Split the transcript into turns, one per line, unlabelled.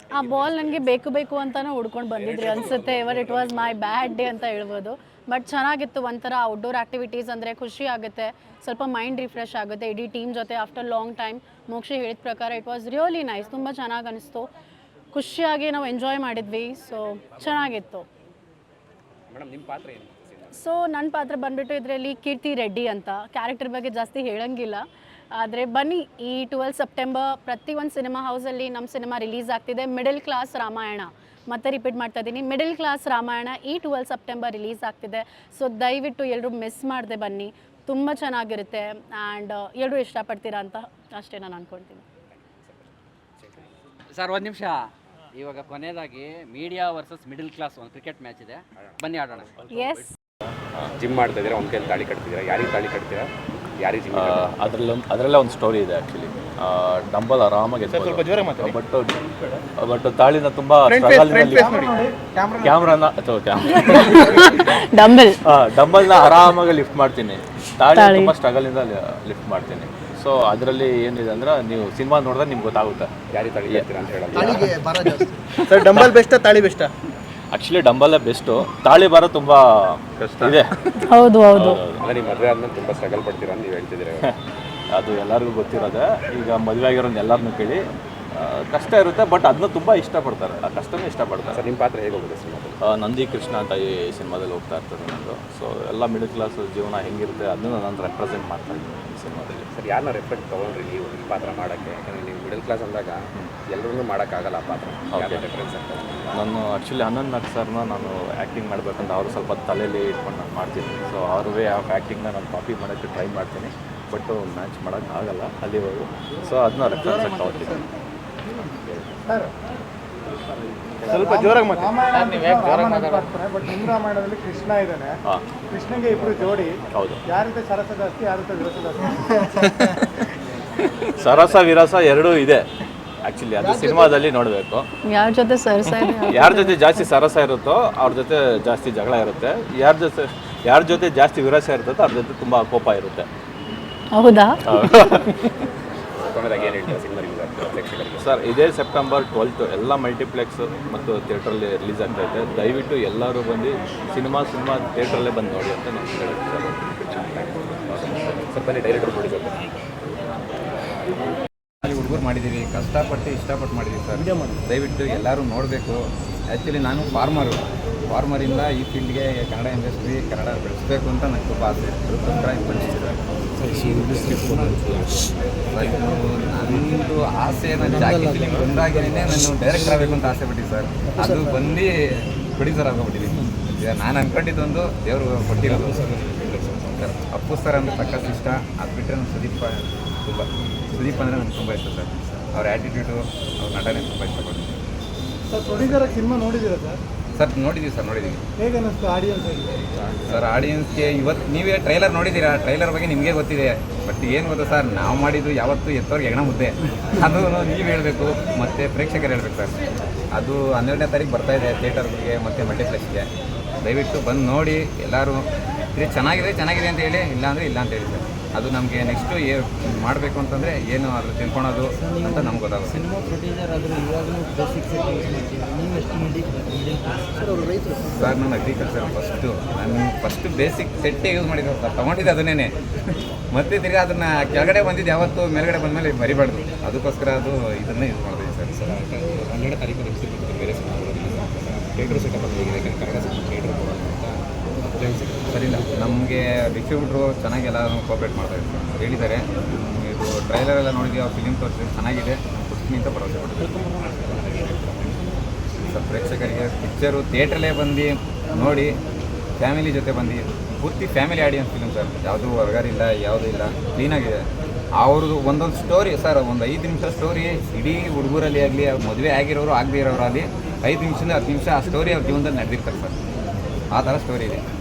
ಆ ಬಾಲ್ ನನಗೆ ಬೇಕು ಬೇಕು ಅಂತಲೇ ಹುಡ್ಕೊಂಡು ಬಂದಿದ್ರಿ ಅನಿಸುತ್ತೆ. It was my bad day ಅಂತ ಹೇಳ್ಬೋದು. ಬಟ್ ಚೆನ್ನಾಗಿತ್ತು, ಒಂಥರ ಔಟ್ಡೋರ್ ಆ್ಯಕ್ಟಿವಿಟೀಸ್ ಅಂದರೆ ಖುಷಿ ಆಗುತ್ತೆ, ಸ್ವಲ್ಪ ಮೈಂಡ್ ರಿಫ್ರೆಶ್ ಆಗುತ್ತೆ ಇಡೀ ಟೀಮ್ ಜೊತೆ ಆಫ್ಟರ್ ಲಾಂಗ್ ಟೈಮ್. ಮೋಕ್ಷಿ ಹೇಳಿದ ಪ್ರಕಾರ ಇಟ್ ವಾಸ್ ರಿಯಲಿ ನೈಸ್, ತುಂಬ ಚೆನ್ನಾಗಿ ಅನಿಸ್ತು, ಖುಷಿಯಾಗಿ ನಾವು ಎಂಜಾಯ್ ಮಾಡಿದ್ವಿ. ಸೊ ಚೆನ್ನಾಗಿತ್ತು. ಸೊ ನನ್ನ ಪಾತ್ರ ಬಂದುಬಿಟ್ಟು ಇದರಲ್ಲಿ ಕೀರ್ತಿ ರೆಡ್ಡಿ ಅಂತ. ಕ್ಯಾರೆಕ್ಟರ್ ಬಗ್ಗೆ ಜಾಸ್ತಿ ಹೇಳೋಂಗಿಲ್ಲ, ಆದರೆ ಬನ್ನಿ ಈ 12 ಸೆಪ್ಟೆಂಬರ್ ಪ್ರತಿ ಒಂದು ಸಿನಿಮಾ ಹೌಸಲ್ಲಿ ನಮ್ಮ ಸಿನಿಮಾ ರಿಲೀಸ್ ಆಗ್ತಿದೆ. ಮಿಡಲ್ ಕ್ಲಾಸ್ ರಾಮಾಯಣ, ಮತ್ತೆ ರಿಪೀಟ್ ಮಾಡ್ತಾ ಇದ್ದೀನಿ, ಮಿಡಲ್ ಕ್ಲಾಸ್ ರಾಮಾಯಣ ಈ 12 ಸೆಪ್ಟೆಂಬರ್ ರಿಲೀಸ್ ಆಗ್ತಿದೆ. ಸೊ ದಯವಿಟ್ಟು ಎಲ್ಲರೂ ಮಿಸ್ ಮಾಡದೆ ಬನ್ನಿ, ತುಂಬ ಚೆನ್ನಾಗಿರುತ್ತೆ ಆ್ಯಂಡ್ ಎಲ್ಲರೂ ಇಷ್ಟಪಡ್ತೀರಾ ಅಂತ ಅಷ್ಟೇ ನಾನು ಅಂದ್ಕೊಳ್ತೀನಿ.
ಸರ್ ಒಂದು ನಿಮಿಷ, ಇವಾಗ ಕೊನೆಯದಾಗಿ ಮೀಡಿಯಾ ವರ್ಸಸ್ ಮಿಡಲ್ ಕ್ಲಾಸ್ ಒಂದು ಕ್ರಿಕೆಟ್ ಮ್ಯಾಚ್ ಇದೆ, ಬನ್ನಿ ಆಡೋಣ.
ಎಸ್,
ಜಿಮ್ ಮಾಡ್ತಾ ಇದ್ದೀರಾ, ಒಂದು ಕೈಯಲ್ಲಿ ತಾಳಿ ಕಟ್ತಿದ್ದೀರಾ, ಯಾರಿಗೆ ತಾಳಿ ಕಟ್ತೀರಾ, ಯಾರಿಗೆ ಜಿಮ್?
ಅದರಲ್ಲೇ ಒಂದು ಸ್ಟೋರಿ ಇದೆ ಆ್ಯಕ್ಚುಲಿ. ಡಂಬಲ್ ಆರಾಮಾಗಿ ಬಟ್ ತಾಳಿನ ತುಂಬ ಕ್ಯಾಮ್ರಾನ ಡಂಬಲ್ನ ಆರಾಮಾಗಿ ಲಿಫ್ಟ್ ಮಾಡ್ತೀನಿ, ತಾಳಿ ತುಂಬ ಸ್ಟ್ರಗಲಿಂದ ಲಿಫ್ಟ್ ಮಾಡ್ತೀನಿ. ಸೊ ಅದರಲ್ಲಿ ಏನಿದೆ ಅಂದ್ರೆ ನೀವು ಸಿನಿಮಾ ನೋಡಿದ್ರೆ ನಿಮ್ಗೆ ಗೊತ್ತಾಗುತ್ತೆ
ಯಾರಿಗೆ ತಾಳಿ ಕಟ್ತೀರಾ ಅಂತ ಹೇಳೋದು.
ಸರ್ ಡಂಬಲ್ ಬೆಸ್ಟಾ ತಾಳಿ ಬೆಸ್ಟಾ?
ಆ್ಯಕ್ಚುಲಿ ಡಂಬಲ್ಲೇ ಬೆಸ್ಟು, ತಾಳಿ ಬರೋ ತುಂಬ ಕಷ್ಟ ಇದೆ.
ಹೌದು ಹೌದು.
ಅಂದರೆ ನೀವು ಮದುವೆ ಆದ್ಮೇಲೆ ತುಂಬ ಸ್ಟ್ರಗಲ್ ಪಡ್ತೀರಾ ಅಂತ ನೀವು ಹೇಳ್ತಿದ್ದೀರಾ.
ಅದು ಎಲ್ಲರಿಗೂ ಗೊತ್ತಿರೋದೆ. ಈಗ ಮದುವೆ ಆಗಿರೋದು ಎಲ್ಲರನ್ನೂ ಕೇಳಿ ಕಷ್ಟ ಇರುತ್ತೆ, ಬಟ್ ಅದನ್ನ ತುಂಬ ಇಷ್ಟಪಡ್ತಾರೆ, ಆ ಕಷ್ಟನೇ ಇಷ್ಟಪಡ್ತಾರೆ.
ಸರ್ ನಿಮ್ಮ ಪಾತ್ರ ಹೇಗೆ ಹೋಗುತ್ತೆ ಸಿನಿಮಾದಲ್ಲಿ?
ನಂದಿ ಕೃಷ್ಣ ಅಂತ ಈ ಸಿನಿಮಾದಲ್ಲಿ ಹೋಗ್ತಾ ಇರ್ತದೆ ನಂದು. ಸೊ ಎಲ್ಲ ಮಿಡಲ್ ಕ್ಲಾಸ್ ಜೀವನ ಹೆಂಗಿರುತ್ತೆ ಅದನ್ನು ನಾನು ರೆಪ್ರೆಸೆಂಟ್ ಮಾಡ್ತಾ ಇದ್ದೀನಿ ಈ ಸಿನಿಮಾದಲ್ಲಿ.
ಸರ್ ಯಾರನ್ನ ರೆಫರೆನ್ಸ್ ತೊಗೊಂಡ್ರಿ ನೀವು ಈ ಪಾತ್ರ ಮಾಡೋಕ್ಕೆ? ಯಾಕಂದರೆ ನೀವು ಮಿಡಲ್ ಕ್ಲಾಸ್ ಅಂದಾಗ ಎಲ್ಲರೂ ಮಾಡೋಕ್ಕಾಗಲ್ಲ ಆ ಪಾತ್ರ. ರೆಫರೆನ್ಸ್ ಅಂತ
ನಾನು ಆ್ಯಕ್ಚುಲಿ ಅನಂತ್ ನಾಗ್ ಸರ್ನ ನಾನು ಆ್ಯಕ್ಟಿಂಗ್ ಮಾಡಬೇಕಂತ ಅವರು ಸ್ವಲ್ಪ ತಲೆಯಲ್ಲಿ ಇಟ್ಕೊಂಡು ನಾನು ಮಾಡ್ತೀನಿ. ಸೊ ಅವ್ರ ವೇ ಆಫ್ ಆ್ಯಕ್ಟಿಂಗ್ನ ನಾನು ಕಾಪಿ ಮಾಡೋಕ್ಕೆ ಟ್ರೈ ಮಾಡ್ತೀನಿ, ಬಟ್ ಮ್ಯಾಚ್ ಮಾಡೋಕ್ಕಾಗಲ್ಲ ಅಲ್ಲಿವರೆಗೂ. ಸೊ ಅದನ್ನ ರೆಫರೆನ್ಸ್ ಆಗಿ ತೊಗೊಳ್ತೀನಿ.
ಸ್ವಲ್ಪ ಜೋರಾಗಿ ಮಾತಾಡ್ತಾರೆ. ಬಟ್ ನಿಮ್ಮ ರಾಮಾಯಣದಲ್ಲಿ ಕೃಷ್ಣ ಇದ್ದಾನೆ, ಕೃಷ್ಣಗೆ ಇಬ್ರು ಜೋಡಿ.
ಹೌದು.
ಯಾರ ಜೊತೆ ಸರಸ ಜಾಸ್ತಿ, ಯಾರ ಜೊತೆ ವಿರಸ ಜಾಸ್ತಿ?
ಸರಸ ವಿರಸ ಎರಡೂ ಇದೆ ಆ್ಯಕ್ಚುಲಿ, ಅದು ಸಿನಿಮಾದಲ್ಲಿ ನೋಡಬೇಕು. ಯಾರ ಜೊತೆ ಜಾಸ್ತಿ ಸರಸ ಇರುತ್ತೋ ಅವ್ರ ಜೊತೆ ಜಾಸ್ತಿ ಜಗಳ ಇರುತ್ತೆ, ಯಾರ ಜೊತೆ ಜಾಸ್ತಿ ವಿರಸ ಇರುತ್ತೋ ಅವ್ರ ಜೊತೆ ತುಂಬ ಕೋಪ ಇರುತ್ತೆ.
ಹೌದಾ?
ಕೊನೆಯದಾಗಿ ಏನು ಹೇಳ್ತೀರಾ ಸಿನಿಮಾ ರಿಲೀಸ್ ಆಗ್ತದೆ ಪ್ರೇಕ್ಷಕರಿಗೆ?
ಸರ್ ಇದೇ ಸೆಪ್ಟೆಂಬರ್ 12 ಎಲ್ಲ ಮಲ್ಟಿಪ್ಲೆಕ್ಸ್ ಮತ್ತು ಥಿಯೇಟ್ರಲ್ಲಿ ರಿಲೀಸ್ ಆಗ್ತಾಯಿದೆ. ದಯವಿಟ್ಟು ಎಲ್ಲರೂ ಬಂದು ಸಿನಿಮಾ ಥಿಯೇಟ್ರಲ್ಲೇ ಬಂದು ನೋಡಿ ಅಂತ ನಾನು ಹೇಳ್ತೀನಿ ಸರ್.
ಸ್ವಲ್ಪ ಡೈರೆಕ್ಟರ್ ಪ್ರೊಡ್ಯೂಸರ್
ಹುಡುಗರು ಮಾಡಿದ್ದೀವಿ, ಕಷ್ಟಪಟ್ಟು ಇಷ್ಟಪಟ್ಟು ಮಾಡಿದ್ದೀವಿ ಸರ್. ದಯವಿಟ್ಟು ಎಲ್ಲರೂ ನೋಡಬೇಕು. ಆ್ಯಕ್ಚುಲಿ ನಾನು ಫಾರ್ಮರಿಂದ ಈ ಫೀಲ್ಡ್ಗೆ ಕನ್ನಡ ಇಂಡಸ್ಟ್ರಿ ಕನ್ನಡ ಬೆಳೆಸಬೇಕು ಅಂತ ನನಗೆ ತುಂಬ ಆಸೆ ಇದೆ. ಅದಕ್ಕೋಸ್ಕರ ಬಂದಿದ್ದಾರೆ ನನ್ನದು ಆಸೆ. ನಾನು ಜಾಕಿ ಫಿಲಿಮ್ ಬಂದಾಗೇನೆ ನಾನು ಡೈರೆಕ್ಟರ್ ಆಗಬೇಕು ಅಂತ ಆಸೆ ಪಟ್ಟಿದ್ದೆ ಸರ್. ಅದು ಬಂದು ಪ್ರೊಡ್ಯೂಸರ್ ಆಗೋಗ್ಬಿಟ್ಟಿದ್ದೀನಿ. ಈಗ ನಾನು ಅಂದ್ಕೊಂಡಿದ್ದೊಂದು ದೇವರು ಕೊಟ್ಟಿರೋದು ಸರ್. ಅಪ್ಪು ಸರ್ ಅಂದರೆ ಸಖತ್ ಇಷ್ಟ. ಅದು ಬಿಟ್ಟರೆ ನಾನು ಸುದೀಪ್ ಅಂದರೆ ನನಗೆ ತುಂಬ ಇಷ್ಟ ಸರ್. ಅವ್ರ ಆ್ಯಟಿಟ್ಯೂಡು, ಅವ್ರ ನಟನೆ ತುಂಬ ಇಷ್ಟಪಡ್ತೀನಿ
ಸರ್. ಪ್ರೊಡ್ಯೂಸರ್ ಸಿನಿಮಾ ನೋಡಿದ್ದೀರಾ ಸರ್?
ಸರ್ ನೋಡಿದ್ದೀವಿ.
ಹೇಗೆ ಅನ್ನಿಸ್ತು ಆಡಿಯನ್ಸ್?
ಸರ್ ಆಡಿಯನ್ಸ್ಗೆ ಇವತ್ತು ನೀವೇ ಟ್ರೈಲರ್ ನೋಡಿದ್ದೀರಾ, ಟ್ರೈಲರ್ ಬಗ್ಗೆ ನಿಮಗೆ ಗೊತ್ತಿದೆ. ಬಟ್ ಏನು ಗೊತ್ತಾ ಸರ್, ನಾವು ಮಾಡಿದ್ದು ಯಾವತ್ತು ಎತ್ತವ್ರಿಗೆ ಹೆಗಣ ಮುದ್ದೆ, ಅದು ನೀವು ಹೇಳಬೇಕು ಮತ್ತು ಪ್ರೇಕ್ಷಕರು ಹೇಳಬೇಕು ಸರ್. ಅದು 12ನೇ ತಾರೀಕು ಬರ್ತಾಯಿದೆ ಥಿಯೇಟರ್ಗೆ ಮತ್ತು ಮಲ್ಟಿಪ್ಲೆಕ್ಸ್ಗೆ. ದಯವಿಟ್ಟು ಬಂದು ನೋಡಿ ಎಲ್ಲರೂ. ಇದು ಚೆನ್ನಾಗಿದೆ ಅಂತ ಹೇಳಿ, ಇಲ್ಲ ಅಂದರೆ ಇಲ್ಲ ಅಂತ ಹೇಳಿ ಸರ್. ಅದು ನಮಗೆ ನೆಕ್ಸ್ಟು ಮಾಡಬೇಕು ಅಂತಂದರೆ ಏನು ಅದು ತಿಳ್ಕೊಳೋದು ಅಂತ ನಮ್ಗೆ ಗೊತ್ತಾಗುತ್ತೆ.
ಸಿನಿಮಾ ಪ್ರೊಡ್ಯೂಸರ್ ಆದರೂ ಇವಾಗಲೂ ಬೇಸಿಕ್ಸ್ ನೀವು ಎಷ್ಟು
ಸರ್ ನಾನು ಅಗ್ರಿಕಲ್ಚರ್ ಫಸ್ಟು ಬೇಸಿಕ್ ಸೆಟ್ಟೇ ಯೂಸ್ ಮಾಡಿದ್ದೆ ಸರ್. ತೊಗೊಂಡಿದ್ದೆ ಅದನ್ನೇ, ಮತ್ತೆ ತಿರ್ಗಿ ಅದನ್ನು ಕೆಳಗಡೆ ಬಂದಿದ್ದು ಯಾವತ್ತು ಮೇಲ್ಗಡೆ ಬಂದಮೇಲೆ ಮರಿಬಾರ್ದು. ಅದಕ್ಕೋಸ್ಕರ ಅದು ಇದನ್ನೇ ಯೂಸ್ ಮಾಡಿದ್ವಿ ಸರ್.
12ನೇ ತಾರೀಕು ಬೇರೆ ಥಿಯೇಟರ್ ಸೆಟಪ್ ಆಗಿದೆ, ಕನ್ನಡ ಥಿಯೇಟರ್
ಸರಿಯಿಲ್ಲ. ನಮಗೆ ಡಿಸ್ಟ್ರಿಬ್ಯೂಟ್ರು ಚೆನ್ನಾಗೆಲ್ಲ ಕೋಆಪ್ರೇಟ್ ಮಾಡ್ತಾಯಿದ್ದಾರೆ ಸರ್. ಹೇಳಿದ್ದಾರೆ ಇದು ಟ್ರೈಲರೆಲ್ಲ ನೋಡಿದ್ವಿ, ಆ ಫಿಲಿಮ್ ತೋರಿಸಿದ್ರೆ ಚೆನ್ನಾಗಿದೆ, ನಾನು ಕೊಡ್ತೀನಿ ಅಂತ ಭರವಸೆ ಕೊಡ್ತೀನಿ ಸರ್. ಪ್ರೇಕ್ಷಕರಿಗೆ ಪಿಕ್ಚರು ಥಿಯೇಟ್ರಲ್ಲೇ ಬಂದು ನೋಡಿ, ಫ್ಯಾಮಿಲಿ ಜೊತೆ ಬಂದು, ಪೂರ್ತಿ ಫ್ಯಾಮಿಲಿ ಆಡಿಯನ್ಸ್ ಫಿಲಿಮ್ ಸರ್. ಯಾವುದೂ ಹೊರಗಾರಿಲ್ಲ, ಯಾವುದೂ ಇಲ್ಲ, ಕ್ಲೀನಾಗಿದೆ. ಅವ್ರದ್ದು ಒಂದೊಂದು ಸ್ಟೋರಿ ಸರ್, ಒಂದು 5 ನಿಮಿಷ ಸ್ಟೋರಿ ಇಡೀ ಹುಡುಗರಲ್ಲಿ ಆಗಲಿ, ಮದುವೆ ಆಗಿರೋರು ಆಗದೇ ಇರೋರಾಗಲಿ 5 ನಿಮಿಷದಿಂದ 10 ನಿಮಿಷ ಆ ಸ್ಟೋರಿ ಅವ್ರ ಜೀವನದಲ್ಲಿ ನಡೆದಿರ್ತಾರೆ ಸರ್. ಆ ಥರ ಸ್ಟೋರಿ ಇದೆ.